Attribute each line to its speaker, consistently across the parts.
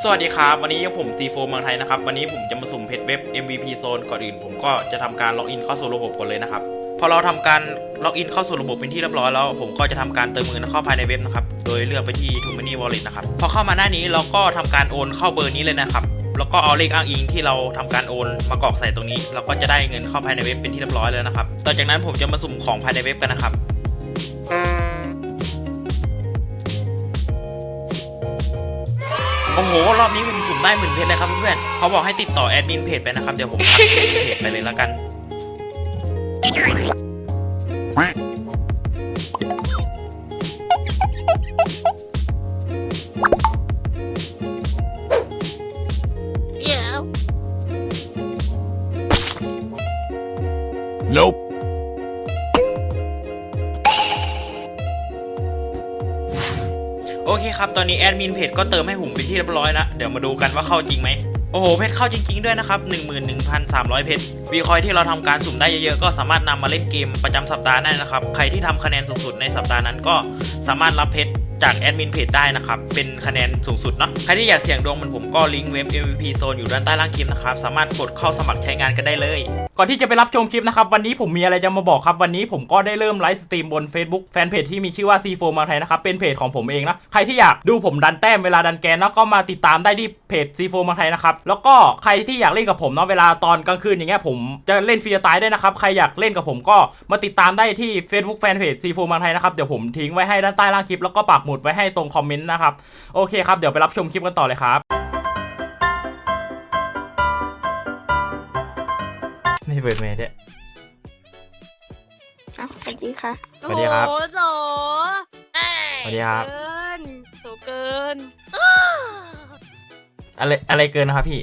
Speaker 1: สวัสดีครับวันนี้ผม C4 เมืองไทยนะครับวันนี้ผมจะมาสุ่มเพจเว็บ MVP Zone ก่อนอื่นผมก็จะทำการล็อกอินเข้าสู่ระบบก่อนเลยนะครับพอเราทำการล็อกอินเข้าสู่ระบบเป็นที่เรียบร้อยแล้วผมก็จะทำการเติมเงินเข้าภายในเว็บนะครับโดยเลือกไปที่ TrueMoney Wallet นะครับพอเข้ามาหน้านี้เราก็ทำการโอนเข้าเบอร์นี้เลยนะครับแล้วก็เอาเลขอ้างอิงที่เราทำการโอนมากรอกใส่ตรงนี้เราก็จะได้เงินเข้าภายในเว็บเป็นที่เรียบร้อยแล้วนะครับต่อจากนั้นผมจะมาสุ่มของภายในเว็บกันนะครับโอ้โหรอบนี้ผมสุ่มได้10,000 เพชรเลยครับเพื่อนๆเขาบอกให้ติดต่อแอดมินเพจไปนะครับเดี๋ยวผมเพจไปเลยแล้วกัน
Speaker 2: Nope.
Speaker 1: โอเคครับตอนนี้แอดมินเพจก็เติมให้ผมเป็นที่เรียบร้อยนะเดี๋ยวมาดูกันว่าเข้าจริงไหมโอ้โหเพชรเข้าจริงๆด้วยนะครับ 11,300 เพชรวีคอยที่เราทำการสุ่มได้เยอะๆก็สามารถนำมาเล่นเกมประจำสัปดาห์ได้นะครับใครที่ทำคะแนนสูงสุดในสัปดาห์นั้นก็สามารถรับเพชรจากแอดมินเพจได้นะครับเป็นคะแนนสูงสุดเนาะใครที่อยากเสี่ยงดวงเหมือนผมก็ลิงก์เว็บ MVP Zone อยู่ด้านใต้ล่างคลิปนะครับสามารถกดเข้าสมัครใช้งานกันได้เลยก่อนที่จะไปรับชมคลิปนะครับวันนี้ผมมีอะไรจะมาบอกครับวันนี้ผมก็ได้เริ่มไลฟ์สตรีมบน Facebook แฟนเพจที่มีชื่อว่า C4 เมืองไทยนะครับเป็นเพจของผมเองนะใครที่อยากดูผมดันแต้มเวลาดันแกนก็มาติดตามได้ที่เพจ C4 เมืองไทยนะครับแล้วก็ใครที่อยากเล่นกับผมเนาะเวลาตอนกลางคืนอย่างเงี้ยผมจะเล่นฟรีสไตล์ได้นะครับใครอยากเล่นกับผมก็มาติดตามได้ที่ Facebook แฟนเพจ C4 เมืองไทยนะครับเดี๋ยวผมทิ้งไว้ให้ด้านใต้ล่างคลิปแล้วก็ปักหมุดไว้ให้ตรงคอมเมนต์นะครับโอเคครับเดี๋ยวไปรับชมคลิปกันต่อเลยครับไม่เปิดเมย์ด้วย
Speaker 3: สวัสดีค่ะ
Speaker 1: สวัสดีครับ
Speaker 3: โอ้โหโส
Speaker 1: สวัสดีครับ
Speaker 3: เกินโสเกิน
Speaker 1: อะไรเกินนะครับพี่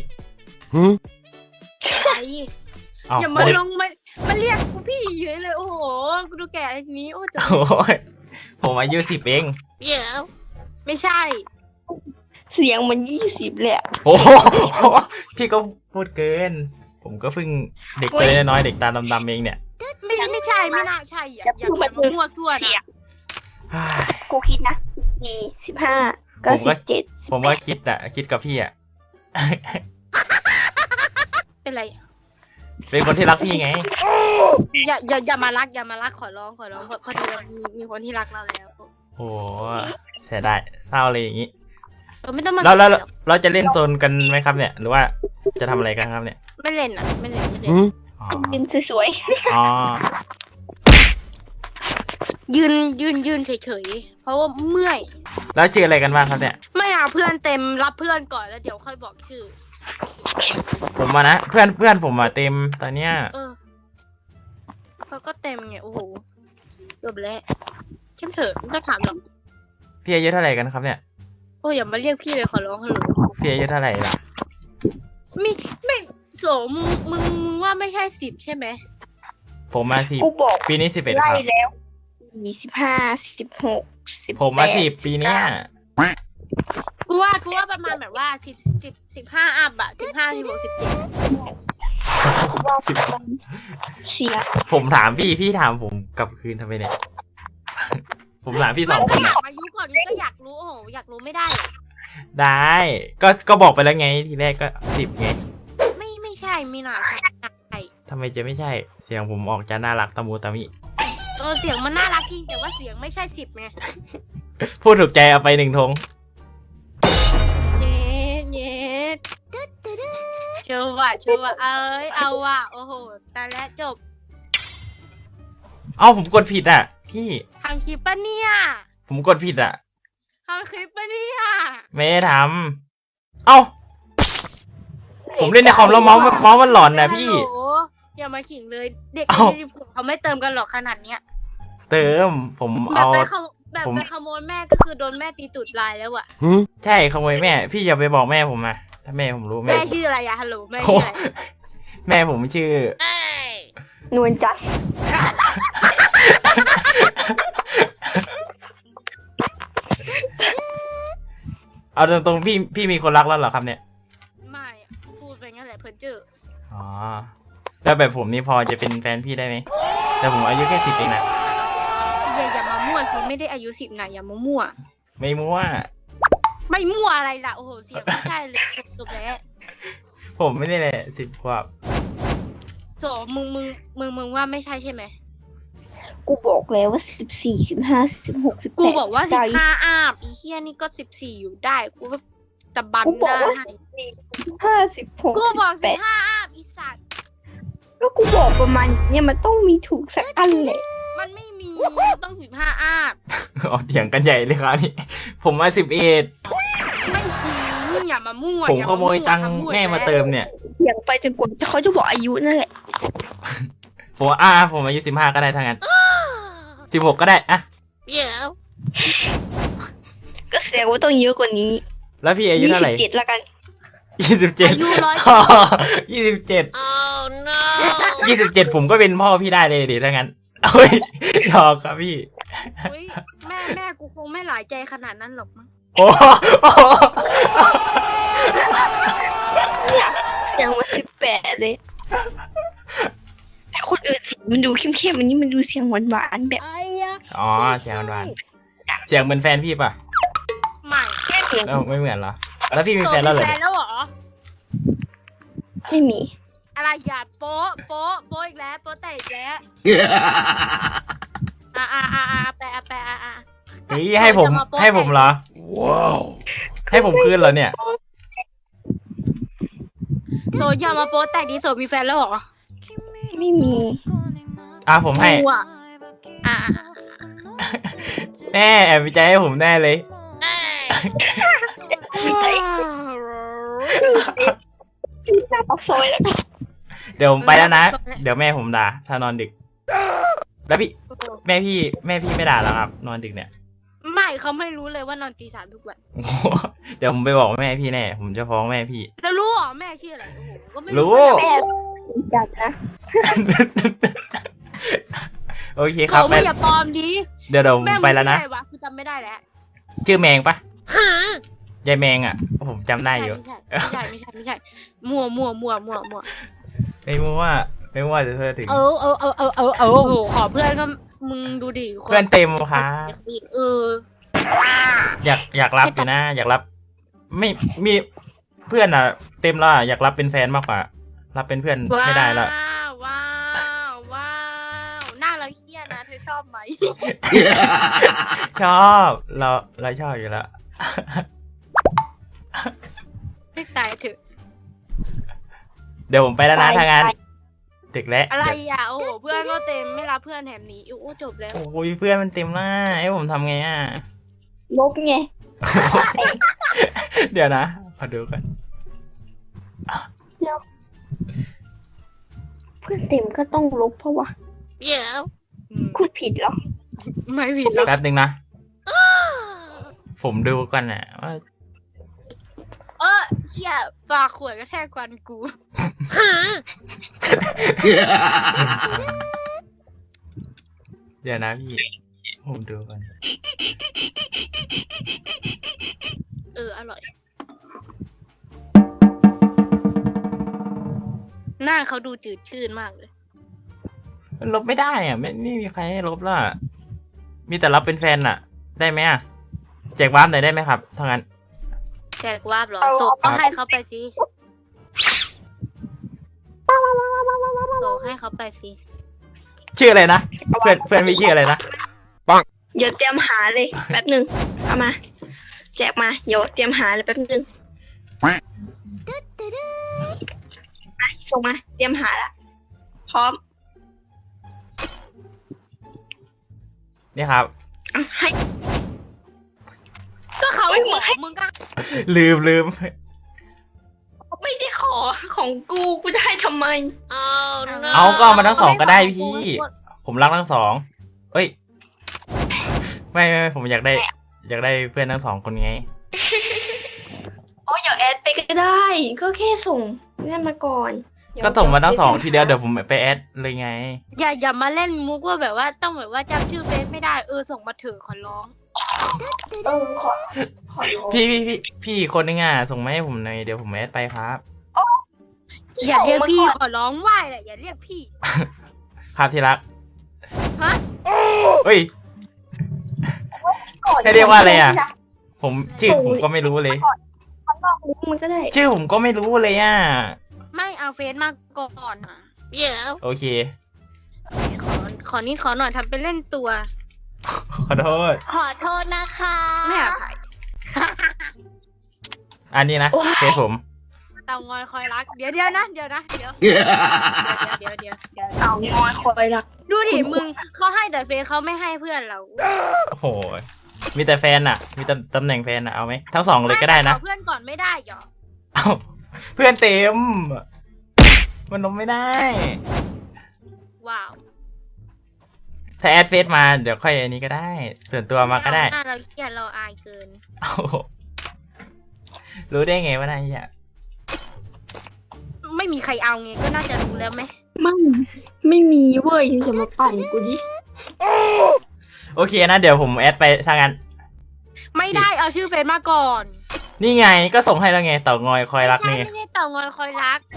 Speaker 3: ไอ
Speaker 1: อ้าว
Speaker 3: อย่ามาลงมาเรียกกูพี่เฉยเลยโอ้โหกูดูแก่ทีนี้โอ้โห
Speaker 1: โอ้ยผมอายุ10เอง
Speaker 3: เดี๋ยวไม่ใช่ เสียงมัน20เลยอะ
Speaker 1: โอ้โหพี่ก็พูดเกินผมก็เพิ่งเด็กตัวน้อยๆเด็กตาดำๆเองเนี่ย
Speaker 3: ไม่ใช่ไม่น่าใช่อย่ามามั่วซั่วนะ
Speaker 4: กูคิดนะ14 15 ก็17
Speaker 1: ผมว่าคิดกับพี่อ่ะ
Speaker 3: เป็นไร
Speaker 1: เป็นคนที่รักพี่ไง
Speaker 3: อย่ามารักขอร้องพอดีเรามีคนที่รักเราแล้ว
Speaker 1: โอ้เสียดายเศร้าเลยอย่างนี้
Speaker 3: เราไม่ต้องมา
Speaker 1: แล้วเราจะเล่นโซนกันไหมครับเนี่ยหรือว่าจะทำอะไรกันครับเนี่ย
Speaker 3: ไม่เล่นอ่ะไม่เล่น
Speaker 1: อ๋อ
Speaker 4: ยืนสวย
Speaker 1: อ๋อ
Speaker 3: ยืนเฉยๆเพราะว่าเมื่อย
Speaker 1: แล้วชื่ออะไรกันบ้างครับเนี่ย
Speaker 3: ไม่เอาเพื่อนเต็มรับเพื่อนก่อนแล้วเดี๋ยวค่อยบอกชื่อ
Speaker 1: ผมมานะเพื่อนผมเต็มตอนเนี้ย
Speaker 3: เขาก็เต็มเนี่ยโอ้โหจบแล้วเข้มเถอะไม่ต้องถามหรอก
Speaker 1: พี่อายุเท่าไหร่กันครับเนี่ย
Speaker 3: โอ้อย่ามาเรียกพี่เลยขอร้องเถอะ
Speaker 1: พี่อายุเท่าไหร่ล่ะ
Speaker 3: ไม่โสมึงว่าไม่ใช่10ใช่ไหม
Speaker 1: ผมมา10
Speaker 4: ๆกูบอก
Speaker 1: ปีนี้11ค
Speaker 4: ไล่
Speaker 1: รับ
Speaker 4: แล้ว25 16 18
Speaker 1: ผมมา10ปีเนี้ย
Speaker 3: กูว่าประมาณแบบว่า15อัพอะ15 16
Speaker 4: เชียร์
Speaker 1: ผมถามพี่ถามผมกลับคืนทำไมเนี่ย ผมถามพี่
Speaker 3: 17
Speaker 1: 2 คน
Speaker 3: ถา
Speaker 1: อะ
Speaker 3: มอายุก่อนก็อยากรู้โอ้โหอยากรู้ไม่ได้
Speaker 1: ได้ก็บอกไปแล้วไงทีแรกก็10ไง
Speaker 3: ไม่ใช่ไม่น่าใช่
Speaker 1: ทำไมจะไม่ใช่เสียงผมออกจะน่ารักตะมูตะมิ
Speaker 3: เสียงมันน่ารักจริงแต่ว่าเสียงไม่ใช่10ไง
Speaker 1: พูดถูกใจเอาไป1 ธง
Speaker 3: เย้ชัวร์เอ้ยเอาว่ะโอ้โหแต่และจบ
Speaker 1: เอ้าผมกดผิดอ่ะพี่
Speaker 3: ทำคลิปปะเนี่ย
Speaker 1: ผมกดผิดอ่ะ
Speaker 3: ทำคลิปปะเนี่ย
Speaker 1: ไม่ได้ทำเอ้าผมเล่นในคอมแล้วเมาส์มันหลอนนะพี่
Speaker 3: ฮัลโหลอย่ามาขิงเลยเด็ก
Speaker 1: เอ้า
Speaker 3: เขาไม่เติมกันหรอกขนาดเนี้ย
Speaker 1: เติมผม
Speaker 3: แบบ
Speaker 1: เอา
Speaker 3: แบบ
Speaker 1: ผม
Speaker 3: ไปขโมยแม่ก็คือโดนแม่ตีตูดลายแล้วอะ
Speaker 1: ใช่ขโมยแม่พี่อย่าไปบอกแม่ผมนะถ้าแม่ผมรู้แม่
Speaker 3: แม่ชื่ออะไรอะฮัลโหลแม่
Speaker 1: โอ้
Speaker 3: ชื่ออะไร
Speaker 1: แม่ผมชื่อ
Speaker 4: นวลจัด
Speaker 1: เอาตรงๆพี่มีคนรักแล้วเหรอครับเนี่ย
Speaker 3: ไม่อะพูดไปงั้นแหละเพิ่นจื้อ
Speaker 1: อ๋อแล้วแบบผมนี่พอจะเป็นแฟนพี่ได้ไหมแต่ผมอายุแค่10เองนะ
Speaker 3: อย่ามามั่วสิไม่ได้อายุ10นะอย่ามามั่ว
Speaker 1: ไม่มั่ว
Speaker 3: ไม่มั่วอะไรล่ะโอ้โหเสียงไม่ใช่เลยจบแล้ว
Speaker 1: ผมไม่ได้เลย10 ขวบ
Speaker 3: โถมึงว่าไม่ใช่ใช่ไหม
Speaker 4: กูบอกแล้วว่า14 15 16 18
Speaker 3: กูบอกว่า
Speaker 4: 19
Speaker 3: 15อาบอีเฮียนี่ก็14อยู่ได้กูก็ตะบัน
Speaker 4: กู
Speaker 3: ห
Speaker 4: บอก
Speaker 3: น้า
Speaker 4: ว่า
Speaker 3: ให้
Speaker 4: 14 15 16
Speaker 3: กูบอก15
Speaker 4: 18
Speaker 3: อาบอีสัตว์
Speaker 4: ก็กูบอกประมาณเนี่ยมันต้องมีถูกสักอันแหละ
Speaker 3: มันไม่มีต้อง15อาบ
Speaker 1: อ๋อเถียงกันใหญ่เลยครับนี่ผมมา11
Speaker 3: ไม่จริงอย่ามามั่ว
Speaker 1: ผม
Speaker 3: อา
Speaker 1: ขโมยตังค์แม่มาเติมเนี่ย
Speaker 4: อย่างไปจนกว่าเขาจะบอกอายุนั่นแหละ
Speaker 1: ผมว่าผมอายุ15ก็ได้ทั้งนั้น16ก็ได้อะ
Speaker 3: เดี๋ยว
Speaker 4: ก็แสดงว่าต้องเยอะกว่านี้
Speaker 1: แล้วพี่อายุเท่าไหร่
Speaker 4: 27ละกัน
Speaker 1: 27
Speaker 3: อายุ100
Speaker 1: 27ผมก็เป็นพ่อพี่ได้เลยดิถ้างั้นเฮ้ยหยอกครับพี่
Speaker 3: เฮ้ยแม่กูคงไม่หลายใจขนาดนั้นหรอกมั้ง
Speaker 1: โอ้โห
Speaker 4: ยังมา18เลยแต่คนอื่นเสียงมันดูเข้มๆอันนี้มันดูเสียงหวานๆแบบ
Speaker 1: อ๋อเสียงหวานๆเสียงเหมือนแฟนพี่ป่ะ
Speaker 3: ไม่
Speaker 4: แค่เสียง
Speaker 1: ไม่เหมือนเหรอแล้วพี่มีแฟนแล้วเหรอ
Speaker 3: แฟนแล้วเหรอ
Speaker 4: ไม่มี
Speaker 3: อะไรอย่าโป๊ะอีกแล้วโป๊ะแต่อีกแล้วแปะ
Speaker 1: เฮ้ยให้ผมเหรอว้าวให้ผมคืนเหรอเนี่ย
Speaker 3: โซอย่ามาโป๊ะแต่ดีโซมีแฟนแล้วเหรอ
Speaker 4: ไม่มี
Speaker 1: ผมให้
Speaker 3: กูอะอ่ะ
Speaker 1: แน่แอบวิจัยให้ผมแน่เลย
Speaker 4: หน้าปากซอยแล้วกัน
Speaker 1: เดี๋ยวผมไปแล้วนะ เดี๋ยวแม่ผมด่าถ้านอนดึก แล้วพี่แม่พี่ไม่ด่าแล้วครับ นอนดึกเนี่ย
Speaker 3: ไม่เขาไม่รู้เลยว่านอนตี 3ทุกวัน
Speaker 1: โอ้โหเดี๋ยวผมไปบอกแม่พี่แน่ ผมจะฟ้องแม่พี่
Speaker 3: แล้วรู้เหรอแม่ชื่ออะไรโอ้โหก็ไม่
Speaker 1: รู้
Speaker 4: แม่จัดนะ
Speaker 1: โอเคครับ
Speaker 3: เขาไม่อย่าปลอมดิ
Speaker 1: เดี๋ยวผม
Speaker 3: แม่
Speaker 1: ไปแล้วนะ
Speaker 3: ชื่ออะไรวะคือจำไม่ได้แล้ว
Speaker 1: ชื่อแมงปะยายแมงอ่ะ ผมจำได้อยู่
Speaker 3: ไม่ใช่มั่ว
Speaker 1: ไม่มั่วจะเธอถึง
Speaker 3: โอ้โหขอเพื่อนก็มึงดูดิ
Speaker 1: เพื่อนเต็มครับ
Speaker 3: เออ
Speaker 1: อยากรับอยู่นะ อยากรับ ไม่มีเพื่อนอ่ะ เต็มแล้วอะอยากรับเป็นแฟนมากกว่า รับเป็นเพื่อนไม่ได้แล้ว
Speaker 3: ว้าวหน้าเราเฮี้ยนะเธอชอบไหม
Speaker 1: ชอบเราชอบอยู่แล้ว
Speaker 3: ไม่ตายเถอะ
Speaker 1: เดี๋ยวผมไปแล้วนะทางงานดึกแล้ว
Speaker 3: อะไรอ่ะโอ้โหเพื่อนก็เต็มไม่รับเพื่อนแถมนี้โอ้จบแล้ว
Speaker 1: โอ้ยเพื่อนมันเต็มหน้าให้ผมทำไงอ่ะ
Speaker 4: ลบไง
Speaker 1: เดี๋ยวนะขอดูก่อน
Speaker 4: เพื่อนเต็มก็ต้องลบเพราะว่า
Speaker 3: เดี๋ยว
Speaker 4: พูดผิดเหรอ
Speaker 3: ไม่ผิดหรอก
Speaker 1: แป๊บนึงนะ ผมดูก่อนนะว่า
Speaker 3: เฮียปากขวดก็แทกควันกู
Speaker 1: เดี๋ยวนะพี่ ผมดูก่อน
Speaker 3: อร่อย หน้าเขาดูจืดชืดมากเลย
Speaker 1: ลบไม่ได้อ่ะไม่มีใครให้ลบล่ะ มีแต่รับเป็นแฟนอ่ะ ได้ไหมอ่ะแจกวาร์ปหน่อยได้ไหมครับถ้างั้น
Speaker 3: แจกวาบเหรอโซก็ให้เขาไปสิโซให้เขาไปสิ
Speaker 1: ชื่ออะไรนะเพื่อนมีชื่ออะไรนะ
Speaker 4: เดี๋ยวเตรียมหาเลยแป๊บหนึ่งเอามา แจกมาเดี๋ยวเตรียมหาเลยแป๊บหนึ่งส่งมาเตรียมหาละพร้อม
Speaker 1: นี่ครับ
Speaker 4: เอาให้
Speaker 3: ก็เขา
Speaker 4: เฮ้ย
Speaker 3: บอกมึงก็
Speaker 1: ลืม
Speaker 4: ไม่ได้ขอของกูจะให้ทำไม
Speaker 1: เอาก็เอามาทั้งสองก็ได้พี่ ผมรักทั้งสองเอ้ย ไม่ผมอยากได้เพื่อนทั้งสองคนไง
Speaker 4: อ๋ออย่าแอดไปก็ได้ ก็แค่ส่งนั่นมาก่อน
Speaker 1: ก็ส่งมาทั้งสองทีเดียวเดี๋ยวผมไปแอดเลยไง
Speaker 3: อย่ามาเล่นมุกว่าแบบว่าต้องแบบว่าจำชื่อเฟซไม่ได้ส่งมาเถอะขอร้อง
Speaker 4: ขอร้อง
Speaker 1: พี่คนนึงอ่ะส่งมาให้ผมหน่อยเดี๋ยวผมแอดไปครับ
Speaker 3: อย่าเรียกพี่
Speaker 4: ส่งมา
Speaker 3: ขอร้องไหว้แหละอย่าเรียกพี่
Speaker 1: ครับที่รัก
Speaker 3: ฮะ
Speaker 1: เฮ้ย
Speaker 4: ก่อน
Speaker 1: ให้เรียกว่าอะไรอะผมชื่อผมก็ไม่รู้เลย
Speaker 4: ลิงก์มันก็ได้
Speaker 1: ชื่อผมก็ไม่รู้เลยอ่ะ
Speaker 3: ไม่เอาเฟซมาก่อนอ่ะเดี๋ยว
Speaker 1: โอเค
Speaker 3: ขอนิดขอหน่อยทำเป็นเล่นตัว
Speaker 1: ขอโทษ
Speaker 2: ขอโทษนะคะ
Speaker 3: ไม่อภัย
Speaker 1: อันนี้นะเฟซผม
Speaker 3: เตางอยคอยรัก เดี๋ยวนะเดี๋ยวเดี๋ยว
Speaker 4: เอางอยคอยรัก
Speaker 3: ดูดิมึงเขาให้แต่เฟซเขาไม่ให้เพื่อนเรา
Speaker 1: โอ้โห มีแต่แฟนอ่ะ มีแต่ตำแหน่งแฟนอ่ะ เอาไหม ทั้งสองเลยก็ได้นะ
Speaker 3: ขอเพื่อนก่อนไม่ได้หรอ
Speaker 1: เอาเพื่อนเต็ม มันลงไม่ได้
Speaker 3: ว้าว
Speaker 1: ถ้าแอดเฟซมาเดี๋ยวค่อยอันนี้ก็ได้ ส่วนตัวมาก็ได้
Speaker 3: หน้าเราเครียดเราอายเกิน
Speaker 1: เอารู้ได้ไงว่านายอ่ะ
Speaker 3: ไม่มีใครเอาไงก็น่าจะรู้แล้วไหม
Speaker 4: ไม่มีเว้ยจะมาปั่นกูดิ
Speaker 1: โอเคนะ เดี๋ยวผมแอดไปทางนั้น
Speaker 3: ไม่ได้เอาชื่อเฟซมาก่อน
Speaker 1: นี่ไงก็ส่งให้แล้วไงเต่างอยคอยรักนี่
Speaker 3: ไม่ใช่เต่างอยคอยรัก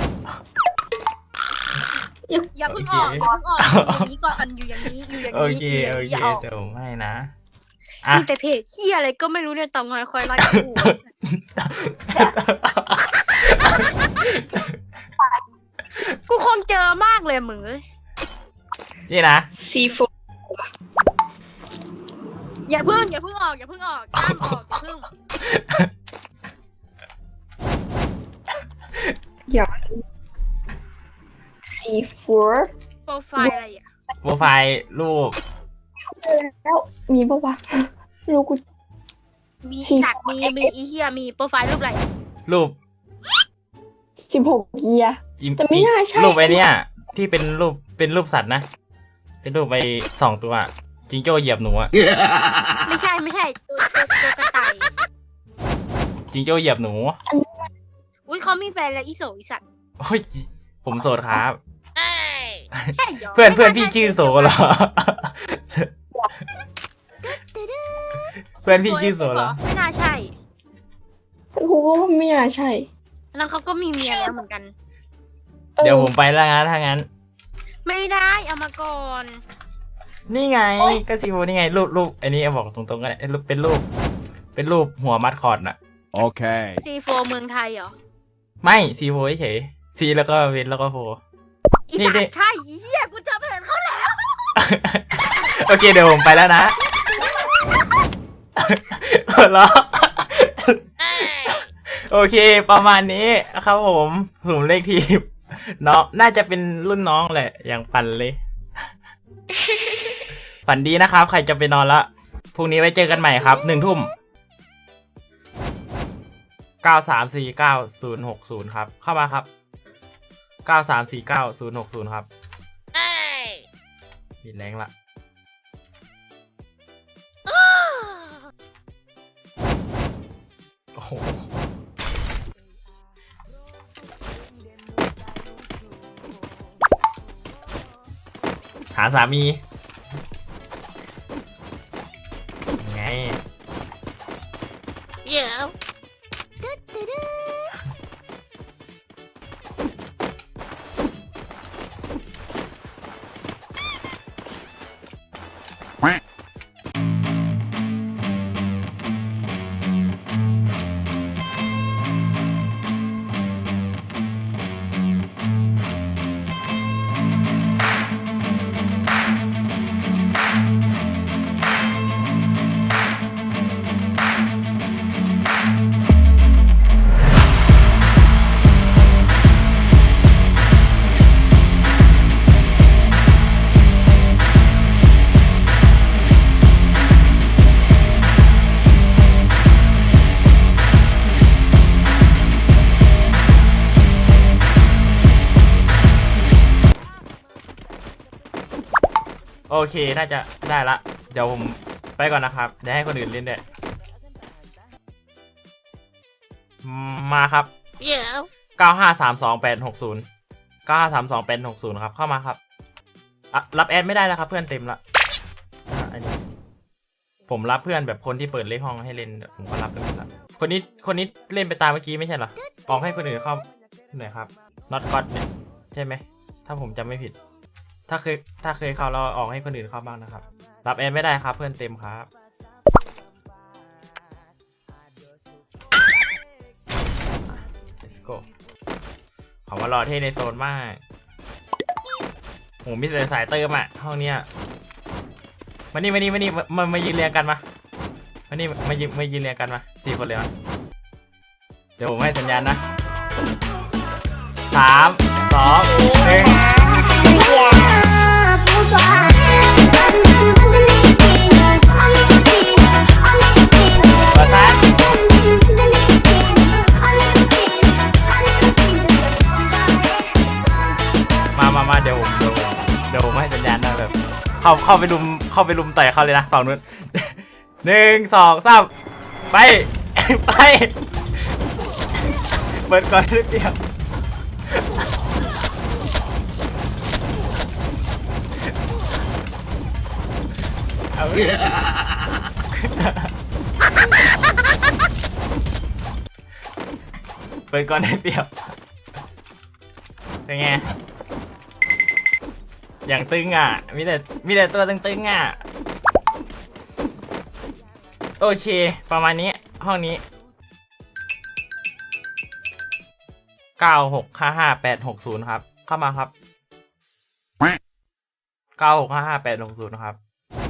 Speaker 3: อย่าเพิ่งออก
Speaker 1: โอเค
Speaker 3: อย่าเพิ่งออกอยู่อย่างนี้ก่อนอยู่อย่างนี้อยู่อย่าง
Speaker 1: โอ
Speaker 3: นี้
Speaker 1: เค
Speaker 3: อยู่อย่าง
Speaker 1: โอ
Speaker 3: นี้
Speaker 1: เค
Speaker 3: อย่าออก
Speaker 1: เดี๋ยวผมให้นะ อ่ะ
Speaker 3: มีแต่เพจที่อะไรก็ไม่รู้เนี่ยเต่างอยคอยรักกูกูคงเจอมากเลยมึงเอ้ย
Speaker 1: นี่นะ
Speaker 4: ซีโฟ
Speaker 3: อย่าเพิ่งออกห้ามออกอย่าเพิ่ง
Speaker 4: อยากซีโฟ
Speaker 3: โปรไฟล์อะไรอ่ะ
Speaker 1: โปรไฟล์รูป
Speaker 4: แล้วมีปะวะรู้กู
Speaker 3: มี
Speaker 4: สี่
Speaker 3: จัดมีอีเฮียมีโปรไฟล์รูปอะไรอะ
Speaker 1: รูป
Speaker 4: 16 เกียร์
Speaker 1: จิม
Speaker 4: แต่ไม่น่าใช่
Speaker 1: รูปไอ้เนี่ยที่เป็นรูปสัตว์นะ เป็นรูปไป2 ตัวจิงโจ้เหยียบหนูอะ
Speaker 3: ไม่ใช่ตัวกระต่าย
Speaker 1: จิงโจ้เหยียบหนู
Speaker 3: อุ้ยเขามีแฟนแล้วอีโสอีสัตว์
Speaker 1: โอ้ยผมโสดครับ
Speaker 3: ใช่หรอ
Speaker 1: เพื่อนพี่ชื่อโสเหรอ เพื่อนพี่ชื่อโสเหรอ
Speaker 3: ไม่น่าใช่
Speaker 4: กูก็ว่าไม่น่าใช่
Speaker 3: แล้วเขาก็มีเมียแล้วเหมือนกัน
Speaker 1: เดี๋ยวผมไปแล้วนะถ้างั้น
Speaker 3: ไม่ได้เอามาก่อน
Speaker 1: นี่ไงก็ซีโฟนี่ไงรูปอันนี้บอกตรงๆก็ได้รูปเป็นรูปหัวมัดคอร์ดน่ะ
Speaker 5: Okay.
Speaker 3: ซีโฟเมืองไทยเหรอ
Speaker 1: ไม่ซีโฟเฉยซีแล้วก็เวนแล้วก็โฟ
Speaker 3: อี
Speaker 1: นี่
Speaker 3: สัต
Speaker 1: นี่
Speaker 3: ว์ใช่อีเหี้ยกูจำเห็นเขาแล้ว
Speaker 1: โอเคเดี๋ยวผมไปแล้วนะหัวเราะโอเค ประมาณนี้ครับผมเลขทีมน้องน่าจะเป็นรุ่นน้องแหละ อย่างปั่นเลย ฝันดีนะครับ ใครจะไปนอนละพรุ่งนี้ไว้เจอกันใหม่ครับ1 ทุ่ม 93496060 ครับ เข้ามาครับ 93496060 ครับมีแรงละ โอ้โห หาสามีไง
Speaker 3: เดี๋ยว
Speaker 1: โอเค น่าจะได้ละ เดี๋ยวผมไปก่อนนะครับ เดี๋ยวให้คนอื่นเล่นด้วยมาครับ
Speaker 3: เดี๋ยว
Speaker 1: 953280 953280 ครับ เข้ามาครับรับแอดไม่ได้แล้วครับ เพื่อนเต็มละอันนี้ผมรับเพื่อนแบบคนที่เปิดเลขห้องให้เล่นผมก็รับไปหมดละคนนี้เล่นไปตามเมื่อกี้ไม่ใช่เหรอออกให้คนอื่นเข้าหน่อยครับ not god เนี่ยใช่ไหมถ้าผมจำไม่ผิด ถ้าเคยเข้าเราออกให้คนอื่นเข้าบ้างนะครับรับแอดไม่ได้ครับ เพื่อนเต็มครับ let's go ขอมารอเท่ในโซนมากโหมีสายเติมอ่ะห้องเนี้ยมานี่มายืนเรียงกันมานี่มายืนเรียงกันมา4 คนเลยมาเดี๋ยวผมให้สัญญาณนะ3 2 1ประทัดมาเดี๋ยวผมให้สัญญาณนะแบบเข้าไปลุมต่อยเขาเลยนะฝั่งนู้น1 2 3ไป เปิดก่อนนิดเดียวเอาเปิดก่อนนิดเดียวเป็นไงอย่างตึงอ่ะมีแต่ตัวตึงอ่ะโอเคประมาณนี้ห้องนี้9655860ครับเข้ามาครับ9655860ครับ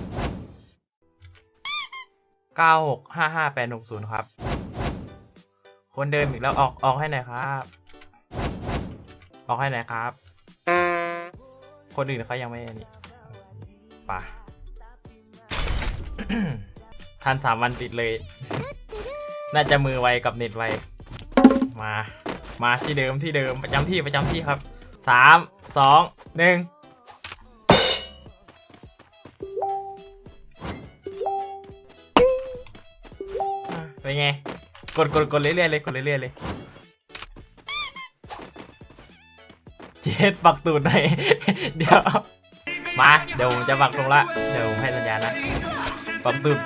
Speaker 1: 9655860ครับคนเดิมอีกแล้วออกให้หน่อยครับออกให้หน่อยครับคนอื่นเขายังไม่นี่ป่ะ ทัน3 วันติดเลย น่าจะมือไวกับเน็ตไวมาที่เดิมประจำที่ครับ3 2 1เป็นไงกดเรื่อยๆเลยเจ็ดปักตูดหน่อย เดี๋ยวผมจะปักลงละเดี๋ยวผมให้สัญญาณนะปักตูด3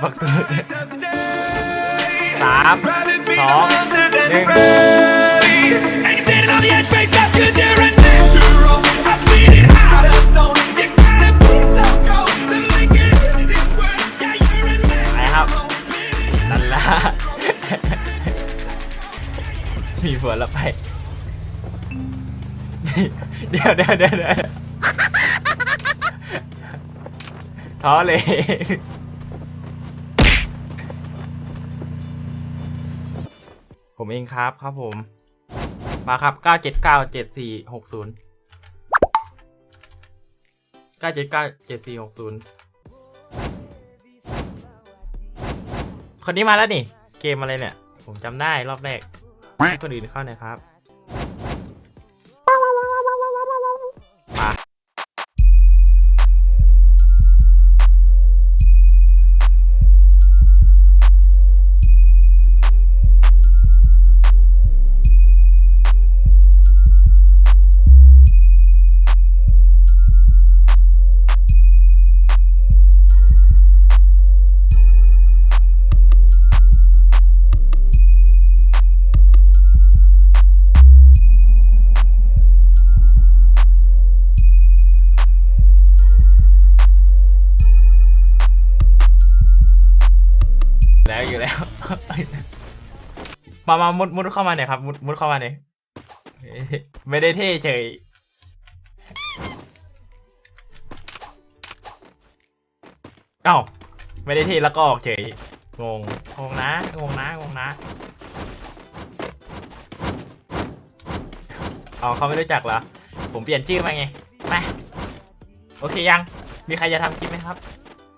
Speaker 1: 2 1ไปครับนั่นละ มีผัวแล้วไปเดี๋ยวท้อเลยผมเองครับผมมาครับ9797460 คนนี้มาแล้วนี่เกมอะไรเนี่ยผมจำได้รอบแรกให้คนอื่นเข้าหน่อยครับอยู่แล้ว มามุดเข้ามาเนี่ยครับมุดเข้ามาเนี่ยไม่ได้เท่เฉยเอ้าไม่ได้เท่แล้วก็ออกเฉยงงนะเอาเขาไม่รู้จักเหรอผมเปลี่ยนชื่อมาไงไปโอเคยังมีใครจะทำคลิปไหมครับ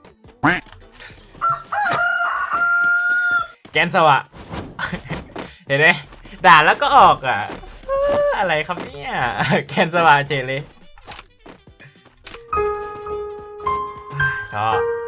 Speaker 1: แกนสวะ เห็นไหมด่าแล้วก็ออกอ่ะอะไรครับเนี่ยแกนสวะเฉยเลยชอบ